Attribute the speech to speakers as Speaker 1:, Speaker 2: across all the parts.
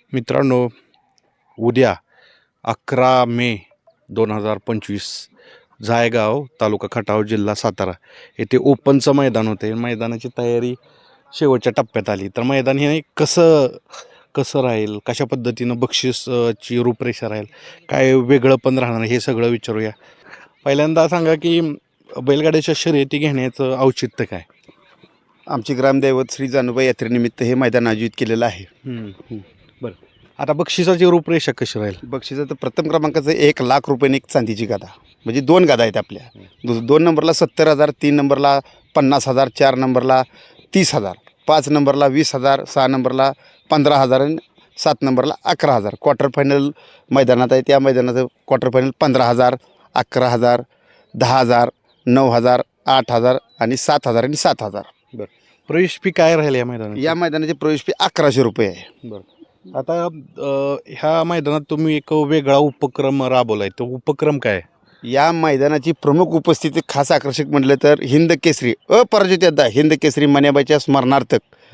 Speaker 1: मित्रांनो, उद्या 11 मे 2025 जायगाव तालुका खटाव जिल्हा सातारा येथे ओपनचं मैदान होते. मैदानाची तयारी शेवटच्या टप्प्यात आली. तर मैदान हे कसं राहील, कशा पद्धतीनं बक्षीसची रूपरेषा राहील, काय वेगळं पण राहणार हे सगळं विचारूया. पहिल्यांदा सांगा की बैलगाड्याच्या शर्यती घेण्याचं औचित्य काय?
Speaker 2: आमचे ग्रामदैवत श्री जानूबाई यात्रेनिमित्त हे मैदान आयोजित केलेलं आहे.
Speaker 1: बरं, आता बक्षिसाची रूपरेषा कशी राहील?
Speaker 2: बक्षिसाचं प्रथम क्रमांकाचं 1,00,000 रुपयाने एक चांदीची गादा, म्हणजे 2 गादा आहेत आपल्या. 2 नंबरला 70,000, 3 नंबरला 50,000, 4 नंबरला 30,000, 5 नंबरला 20,000, 6 नंबरला 15,000 आणि 7 नंबरला 11,000. क्वार्टर फायनल मैदानात आहे. त्या मैदानाचं क्वार्टर फायनल 15,000, 11,000, 10,000, 9,000, 8,000 आणि 7,000 आणि 7,000.
Speaker 1: प्रवेश फी काय राहील या मैदानात?
Speaker 2: या मैदानाची प्रवेश फी 1,100 रुपये आहे.
Speaker 1: बरं, आता ह्या मैदानात तुम्ही एक वेगळा उपक्रम राबवलाय. तो उपक्रम काय आहे?
Speaker 2: या मैदानाची प्रमुख उपस्थिती खास आकर्षक म्हटलं तर हिंद केसरी अपराजित योद्धा हिंद केसरी मन्याबाईच्या स्मरणार्थ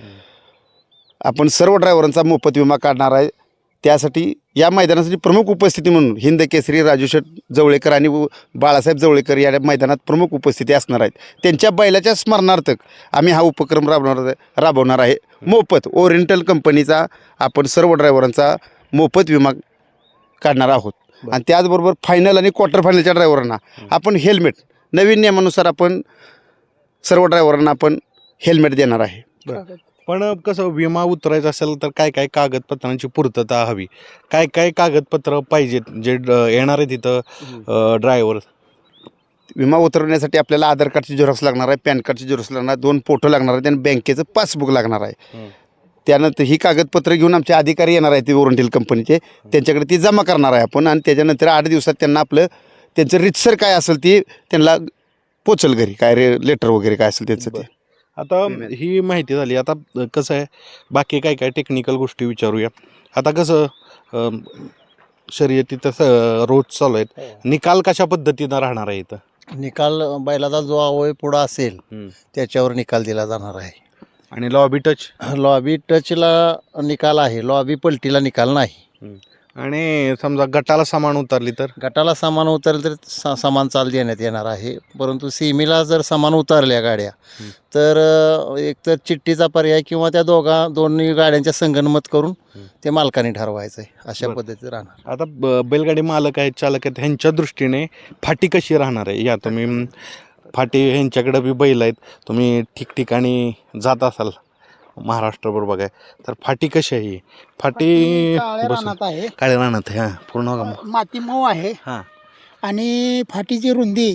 Speaker 2: आपण सर्व ड्रायव्हरांचा मोफत विमा काढणार आहे. त्यासाठी या मैदानासाठी प्रमुख उपस्थिती म्हणून हिंद केसरी राजूशेठ जवळेकर आणि बाळासाहेब जवळेकर या मैदानात प्रमुख उपस्थिती असणार आहेत. त्यांच्या बैलाच्या स्मरणार्थ आम्ही हा उपक्रम राबवणार आहे. मोफत ओरिएंटल कंपनीचा आपण सर्व ड्रायव्हरांचा मोफत विमा काढणार आहोत. आणि त्याचबरोबर फायनल आणि क्वार्टर फायनलच्या ड्रायव्हरांना आपण हेल्मेट, नवीन नियमानुसार आपण सर्व ड्रायव्हरांना आपण हेल्मेट देणार आहे.
Speaker 1: पण कसं विमा उतरायचा असेल तर काय काय कागदपत्रांची पूर्तता हवी? काय काय कागदपत्र पाहिजेत जे येणार आहे तिथं ड्रायव्हर?
Speaker 2: विमा उतरवण्यासाठी आपल्याला आधार कार्डची झेरॉक्स लागणार आहे, पॅन कार्डची झेरॉक्स लागणार आहे, 2 फोटो लागणार आहेत आणि बँकेचं पासबुक लागणार आहे. त्यानंतर ही कागदपत्र घेऊन आमचे अधिकारी येणार आहेत, ते ओरिएंटल कंपनीचे, त्यांच्याकडे ती जमा करणार आहे आपण. आणि त्याच्यानंतर 8 दिवसात त्यांना त्यांचं रितसर काय असेल ती त्यांना पोचल घरी, काय लेटर वगैरे काय असेल त्यांचं ते.
Speaker 1: आता ही माहिती झाली. आता कसं आहे, बाकी काय काय टेक्निकल गोष्टी विचारूया. आता कसं शर्यती तसं रोज चालू आहेत, निकाल कशा पद्धतीनं राहणार आहे इथं?
Speaker 3: निकाल बैलाचा जो अवयव पुढं असेल त्याच्यावर निकाल दिला जाणार आहे.
Speaker 1: आणि लॉबी टच?
Speaker 3: लॉबी टचला निकाल आहे, लॉबी पलटीला निकाल नाही.
Speaker 1: आणि समजा गटाला सामान उतरली तर?
Speaker 3: गटाला सामान उतरलं तर समान चाल देण्यात येणार आहे. परंतु सीमेला जर सामान उतरल्या गाड्या तर एकतर चिठ्ठीचा पर्याय किंवा त्या दोन्ही गाड्यांच्या संगनमत करून ते मालकाने ठरवायचं आहे. अशा पद्धतीत राहणार.
Speaker 1: आता बैलगाडी मालक आहेत, चालक आहेत, ह्यांच्या दृष्टीने फाटी कशी राहणार आहे? या तुम्ही फाटी ह्यांच्याकडे बी बैल आहेत, तुम्ही ठिकठिकाणी जात असाल महाराष्ट्रभर बघाय, तर फाटी कशी आहे? फाटी
Speaker 4: आहे,
Speaker 1: काळ्या रानात आहे. हां, पूर्ण
Speaker 4: माती मऊ आहे.
Speaker 1: हां.
Speaker 4: आणि फाटीची रुंदी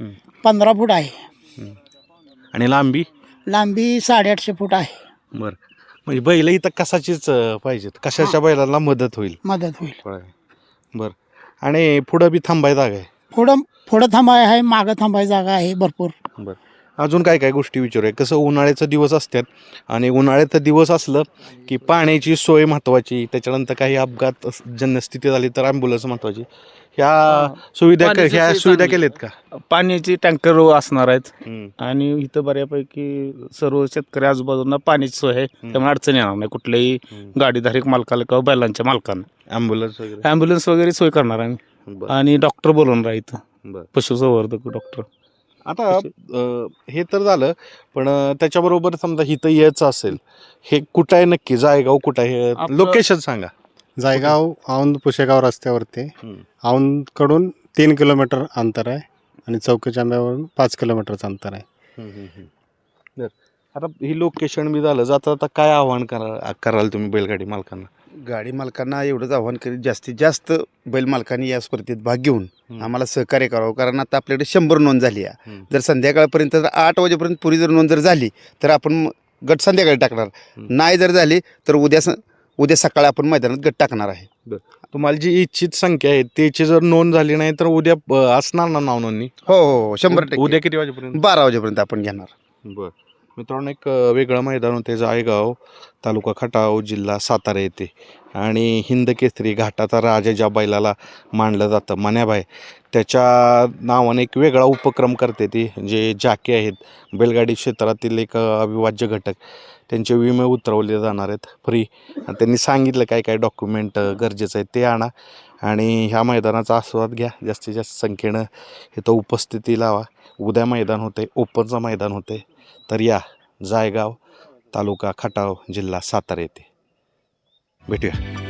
Speaker 4: 15 फूट आहे.
Speaker 1: आणि लांबी?
Speaker 4: लांबी 850 फूट आहे.
Speaker 1: बरं, म्हणजे बैल इथं कशाचीच पाहिजेत, कशाच्या बैलाला मदत होईल?
Speaker 4: मदत होईल.
Speaker 1: बरं, आणि पुढं बी थांबाय जागा आहे?
Speaker 4: पुढं थांबाय आहे, मागं थांबाय जागा आहे भरपूर.
Speaker 1: बरं, अजून काय काय गोष्टी विचारूया. कसं उन्हाळ्याचं दिवस असतात आणि उन्हाळ्याचं दिवस असलं की पाण्याची सोय महत्त्वाची, त्याच्यानंतर काही अपघात जन्यस्थिती झाली तर ॲम्ब्युलन्स महत्त्वाची. ह्या सुविधा केल्यात का?
Speaker 5: पाण्याची टँकर असणार आहेत. आणि इथं बऱ्यापैकी सर्व शेतकरी आजूबाजूला पाण्याची सोय आहे, त्यामुळे अडचण येणार नाही कुठल्याही गाडीधारक मालकाला किंवा बैलांच्या मालकांना. ॲम्ब्युलन्स वगैरे सोय करणार आहे. आणि डॉक्टर बोलवणार आहे इथं, पशुसंवर्धक डॉक्टर.
Speaker 1: आता हे तर झालं, पण त्याच्याबरोबर समजा इथं यायचं असेल, हे कुठं आहे नक्की? जायगाव कुठं आहे? लोकेशन सांगा.
Speaker 6: जायगाव औंध पुशेगाव रस्त्यावरती, औंधकडून 3 किलोमीटर अंतर आहे आणि चौकीच्या आंब्यावरून 5 किलोमीटरचं अंतर आहे.
Speaker 1: आता ही लोकेशन बी झालं, जाता आता काय आव्हान कराल तुम्ही बैलगाडी मालकांना?
Speaker 2: गाडी मालकांना एवढंच आव्हान करीत, जास्तीत जास्त बैल मालकांनी या स्पर्धेत भाग घेऊन आम्हाला सहकार्य करावं. कारण आता आपल्याकडे 100 नोंद झाली आहे. जर संध्याकाळपर्यंत 8 वाजेपर्यंत पुरी जर नोंद जर झाली तर आपण गट संध्याकाळी टाकणार. नाही जर झाली तर उद्या सकाळी आपण मैदानात गट टाकणार आहे.
Speaker 1: तुम्हाला जी इच्छित संख्या आहे त्याची जर नोंद झाली नाही तर उद्या असणार ना नाव नोंदणी?
Speaker 2: हो, 100%.
Speaker 1: उद्या किती वाजेपर्यंत?
Speaker 2: 12 वाजेपर्यंत आपण घेणार.
Speaker 1: बरं, मित्रांनो एक वेगळं मैदान होते जायगाव तालुका खटाव जिल्हा सातारा येथे आणि हिंद केसरी घाटाचा राजा ज्या बैलाला मानलं जातं मन्याबाई त्याच्या नावाने एक वेगळा उपक्रम करते ती जे जाके आहेत बैलगाडी क्षेत्रातील एक अविभाज्य घटक त्यांचे विमे उतरवले जाणार आहेत फ्री आणि त्यांनी सांगितलं काय काय डॉक्युमेंट गरजेचं आहे ते आणा आणि ह्या मैदानाचा आस्वाद घ्या जास्तीत जास्त संख्येनं इथं उपस्थिती लावा. उद्या मैदान होते ओपनचं मैदान होते तर या जायगाव तालुका खटाव जिल्हा सातारा येथे भेटूया.